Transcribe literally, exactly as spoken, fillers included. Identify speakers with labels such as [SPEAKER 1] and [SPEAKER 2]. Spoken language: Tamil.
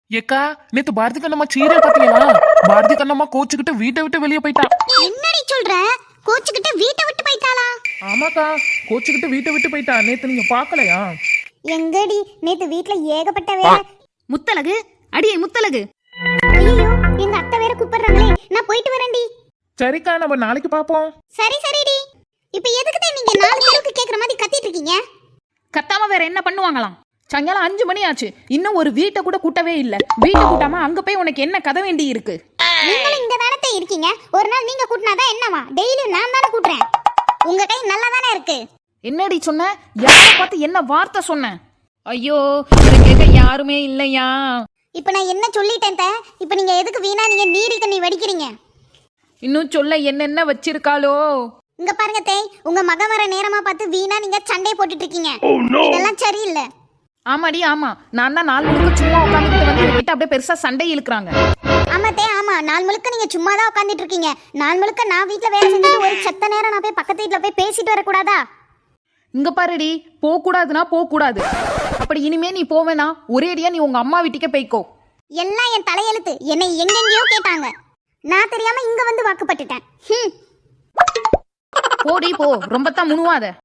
[SPEAKER 1] ஏக்கா நேத்து பாரதி கண்ணம்மா சீரியல் பாத்தீங்களா? பாரதி கண்ணம்மா கோச்சுக்கிட்டு வீட்டை விட்டு வெளியே போயிட்டா.
[SPEAKER 2] என்னடி சொல்ற? கோச்சுக்கிட்டு வீட்டை விட்டு போயிட்டாளா?
[SPEAKER 1] ஆமாக்கா, கோச்சுக்கிட்டு வீட்டை விட்டு போயிட்டா. நேத்து நீங்க பாக்கலையா?
[SPEAKER 2] எங்கடி நேத்து வீட்ல ஏகப்பட்ட வேலை.
[SPEAKER 3] முத்தலகு, அடியே முத்தலகு.
[SPEAKER 2] ஐயோ, எங்க அத்தை வேற கூப்பிடுறாங்களே, நான் போயிட்டு வரேன்டி.
[SPEAKER 1] சரிக்கா, நம்ம நாளைக்கு பாப்போம்.
[SPEAKER 2] சரி சரிடி. இப்ப எதுக்கு தான் நீங்க நாலு பேருக்கு கேக்குற மாதிரி கத்திட்டு இருக்கீங்க?
[SPEAKER 3] கத்தாம வேற என்ன பண்ணுவாங்களாம்? சாயங்காலம் அஞ்சு மணி ஆச்சு, இன்னும் ஒரு வீட்டை கூட கூட்டவே இல்ல. வீட்டை கூட்டாம அங்க போய் உனக்கு என்ன கதை வேண்டி இருக்கு?
[SPEAKER 2] நீங்களும் இந்த வேலைத்தை இருக்கீங்க. ஒரு நாள் நீங்க கூட்டினாதான் என்னவா? டெய்லி நான் தானே கூட்டுறேன். உங்க கை நல்லா தானே இருக்கு.
[SPEAKER 3] என்னடி சொன்ன? யார பார்த்து என்ன வார்த்தை சொன்ன? ஐயோ, இதை கேட்க யாருமே இல்லையா?
[SPEAKER 2] இப்ப நான் என்ன சொல்லிட்டேன்? இப்ப நீங்க எதுக்கு வீணா நீங்க நீரில் தண்ணி வடிக்கிறீங்க?
[SPEAKER 3] இன்னும் சொல்ல என்னென்ன வச்சிருக்காளோ?
[SPEAKER 2] இங்க பாருங்க தேய், உங்க மக வர நேரமா பார்த்து வீணா நீங்க சண்டை போட்டுட்டு இருக்கீங்க. இதெல்லாம் சரியில்லை.
[SPEAKER 3] ஆமாடி ஆமா, நான் தான் நாலு முழுக்க சும்மா உட்காந்துட்டு வந்து என்கிட்ட அப்படியே பெருசா சண்டை இழுக்கிறாங்க.
[SPEAKER 2] ஆமா தே, ஆமா, நாள் முழுக்க நீங்க சும்மா தான் உட்காந்துட்டு இருக்கீங்க. நாள் முழுக்க நான் வீட்டுல வேலை செஞ்சுட்டு ஒரு செத்த நேரம் நான் போய் பக்கத்து வீட்டுல போய் பேசிட்டு வரக்கூடாதா?
[SPEAKER 3] இங்க பாருடி, போக கூடாதுன்னா போக கூடாது. அப்படி இனிமே நீ போவேனா ஒரேடியா நீ உங்க அம்மா வீட்டுக்கே போய்க்கோ.
[SPEAKER 2] எல்லாம் என் தலையெழுத்து. என்னை எங்கெங்கயோ கேட்டாங்க, நான் தெரியாம இங்க வந்து வாக்குப்பட்டுட்டேன்.
[SPEAKER 3] போடி போ, ரொம்ப தான் முணுவாத.